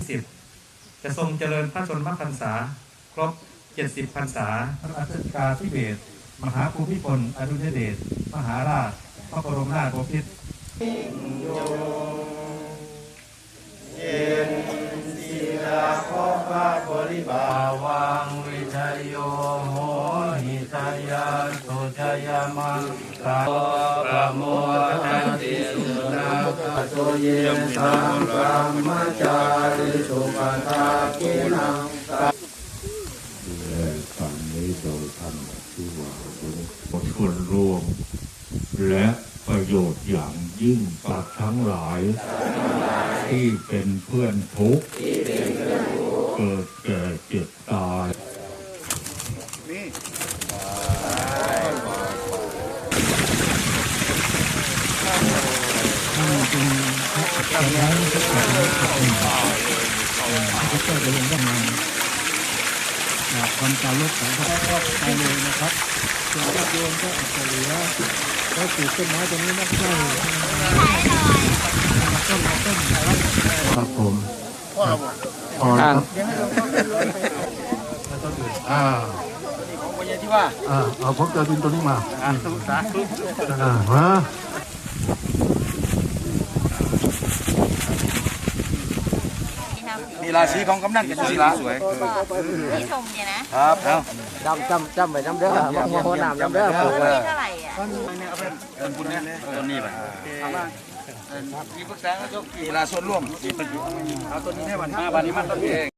10จะทรงเจริญพระชนมพรรษาครบ70พรรษาพระราชกาธิเบศรมหาภูมิพลอดุลยเดชมหาราชพระบรมราชบพิตรเย็นศิลาขอพระบริบาลวังวิทยโยโหหิตายาสุจยามังกาประโมทันติสุนาคโตเยสังกรรมจาริสุปทากินังฟังนี้โดยธรรมที่ว่าส่วนรวมและประโยชน์อย่างยิ่งสัตว์ทั้งหลายที่เป็นเพื่อนทุกข์เกิดแก่เจ็บตายความการลดของพระไปเลยนะครับส่วนญาติโยมก็อาจจะเหลือก็ปลูกต้นไม้ตรงนี้นะใช่ต้นครับผมพอครับเอาพบเจอดินตัวนี้มามามีราศีของกำนันกับศิลาสวยที่ชมเนี่ยนะครับจำไปจำเด้อมองน้ำจำเด้อปลูกไว้เท่าไหร่อ่ะต้นบุญเนี่ยต้นนี้ไปมีปรึกษาก็มีลาส่วนร่วมเอาต้นนี้ให้วัน5 วันนี้มันต้นเอง